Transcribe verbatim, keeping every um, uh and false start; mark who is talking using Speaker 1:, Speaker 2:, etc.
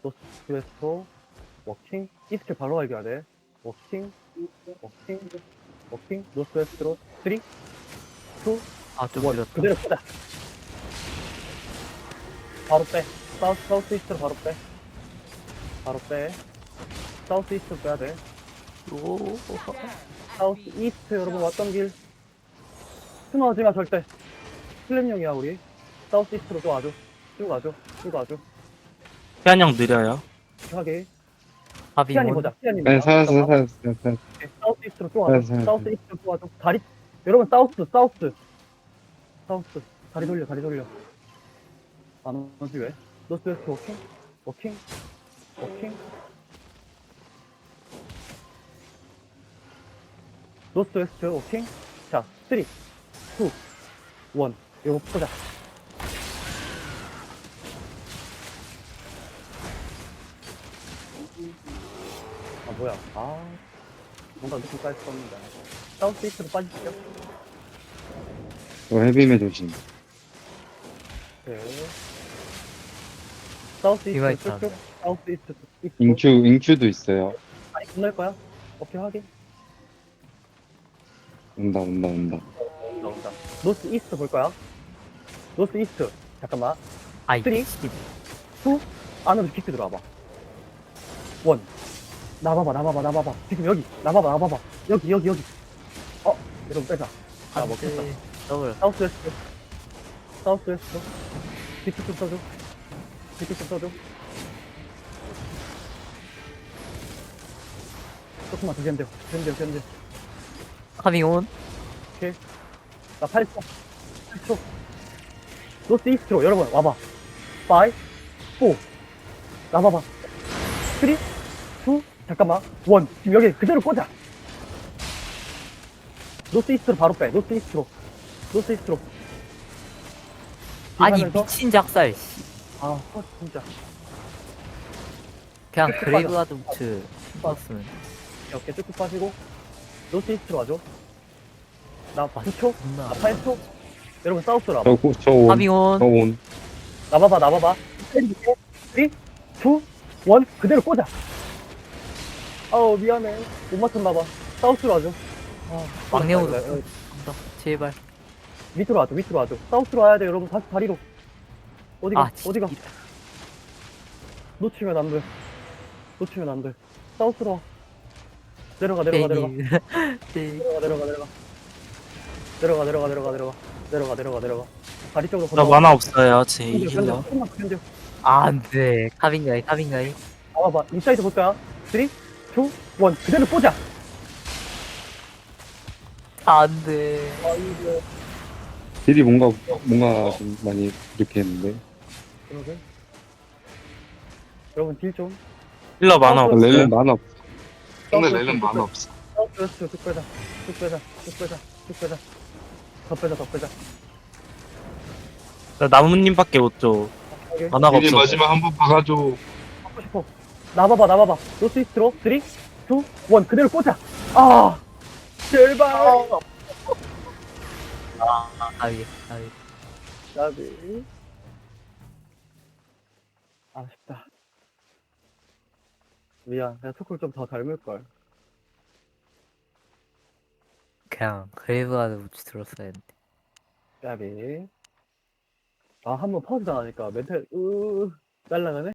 Speaker 1: 노스 웨스트 워킹 이스트 바로 가야 돼. 워킹 워킹 워킹 노스 웨스트로 쓰리 투
Speaker 2: 아, 좀
Speaker 1: 원
Speaker 2: 늦었다.
Speaker 1: 그대로 끄자. 바로 빼. 사우스 사우스 이스트로 바로 빼. 바로 빼. 사우스 이스트로 빼야 돼.
Speaker 2: 오,
Speaker 1: 사우스 이스트 여러분 왔던 길 스노하지 마 절대. 플랜형이야 우리. 사우스 이스트로 또 와줘. 쭉 와줘. 쭉 와줘.
Speaker 3: 태안 형 느려요.
Speaker 1: 하게.
Speaker 2: 합이
Speaker 1: 피아님
Speaker 2: 온.
Speaker 1: 보자. 피아님
Speaker 4: 네,
Speaker 1: 보자.
Speaker 4: 살았어,
Speaker 1: 잠깐만.
Speaker 4: 살았어, 살았어.
Speaker 1: 오케이, 사우스 이스트로 또 와줘.
Speaker 4: 네, 네,
Speaker 1: 사우스
Speaker 4: 네.
Speaker 1: 이스트로 또 와줘. 다리 여러분 사우스 사우스 사우스 다리 돌려 다리 돌려. 안 오지 왜? 노스 웨스트 워킹 워킹 워킹 노스 웨스트 워킹. 자 쓰리 투 원 이거 보자. 아 뭐야 아 뭔가 느낌까지 썼는데 사우스 이스트로 빠지시죠.
Speaker 4: 저 헤비메 조심.
Speaker 1: 네. 사우스
Speaker 2: 이마
Speaker 1: 이스트
Speaker 2: 있다.
Speaker 1: 쭉쭉 사우스 이스트 이스트
Speaker 4: 인큐, 인큐도 있어요.
Speaker 1: 아니 건널 거야? 오케이 확인.
Speaker 4: 온다, 온다, 온다.
Speaker 1: 나온다. 노스 이스트 볼 거야. 노스 이스트 잠깐만.
Speaker 2: 아이,
Speaker 1: 쓰리.
Speaker 2: 씨.
Speaker 1: 투 안으로 깊게 들어와봐. 원 나봐봐 나봐봐 나봐봐 지금 여기 나봐봐 나봐봐 여기 여기 여기. 어 여러분 빼자. 아
Speaker 2: 안
Speaker 1: 먹겠다.
Speaker 2: 돼. 더블.
Speaker 1: 사우스 웨스트 사우스 웨스트 디트 좀 써줘. 디트 좀 써줘. 조금만 더 견뎌 견뎌 견뎌.
Speaker 2: 합이 온.
Speaker 1: 나 팔 초 팔 초 노스 이스트로 여러분 와봐. 파이 사 나봐봐. 쓰리 투 잠깐만 원 지금 여기 그대로 꽂아. 노스 이스트로 바로 빼. 노스 이스트로 노스 이스트로.
Speaker 2: 아니,
Speaker 1: 하면서-
Speaker 2: 미친 작살. 씨.
Speaker 1: 아 어, 진짜
Speaker 2: 그냥
Speaker 1: 끝까지
Speaker 2: 그레이브가드 우츠 봤으면.
Speaker 1: 어깨 쭉쭉 빠지고 노스 이스트로 와줘. 나 구 초
Speaker 2: 존나.
Speaker 1: 나 팔 초 여러분 사우스로 와봐.
Speaker 4: 저, 고- 저 온.
Speaker 2: 합이 온.
Speaker 4: 저 온.
Speaker 1: 나봐봐 나봐봐. 쓰리 투 원 그대로 꽂아. 아우 미안해 못 맞췄나봐. 사우스로 와줘. 아,
Speaker 2: 막내우도.
Speaker 1: 네, 네.
Speaker 2: 간다. 제발.
Speaker 1: 밑으로 와줘 밑으로 와줘. 사우스로 와야 돼 여러분. 다시 다리로. 어디가
Speaker 2: 아, 진짜.
Speaker 1: 어디가 놓치면 안돼. 놓치면 안돼. 사우스로 와. 내려가 내려가 내려가
Speaker 2: 네.
Speaker 1: 내려가 내려가 내려가 내려가 내려가 내려가 내려가 내려가 내려가 내려가 다리 쪽으로
Speaker 3: 나 만화 없어요. 제
Speaker 1: 견뎌 견뎌
Speaker 3: 힐러.
Speaker 1: 조금만 더 견뎌.
Speaker 2: 안 돼. 탑인가이, 탑인가이.
Speaker 1: 나와봐 인사이드 볼까요? 쓰리 투 원 그대로 꽂아.
Speaker 2: 안 돼.
Speaker 1: 아이고
Speaker 4: 딜이 뭔가, 뭔가 좀 많이 이렇게 했는데.
Speaker 1: 그러게. 여러분 딜좀
Speaker 3: 힐러 만화
Speaker 1: 어,
Speaker 3: 없어요.
Speaker 4: 렐렌 만화 없어.
Speaker 1: 근데
Speaker 4: 근데
Speaker 1: 렐렌
Speaker 4: 렐렌
Speaker 1: 만화
Speaker 4: 만화 없어.
Speaker 1: 쭉 쭉 빼자 쭉 빼자 쭉 빼자 쭉 빼자 더 빼자 더 빼자.
Speaker 3: 나 나무님밖에 못 줘.
Speaker 1: 오케이
Speaker 3: 만화가
Speaker 4: 딜이
Speaker 3: 없어.
Speaker 4: 마지막 한 번 박아줘.
Speaker 1: 하고 싶어. 나봐봐 나봐봐 노스 이스트로 쓰리 투 원 그대로 꽂아. 아 제발.
Speaker 2: 아이, 아이.
Speaker 1: 나비 아쉽다. 미안 내가 토크를 좀 더 닮을걸.
Speaker 2: 그냥 그레이브가드 우츠 들었어야 했는데.
Speaker 1: 나비 아 한 번 퍼즈 당하니까 멘탈 으 날라가네.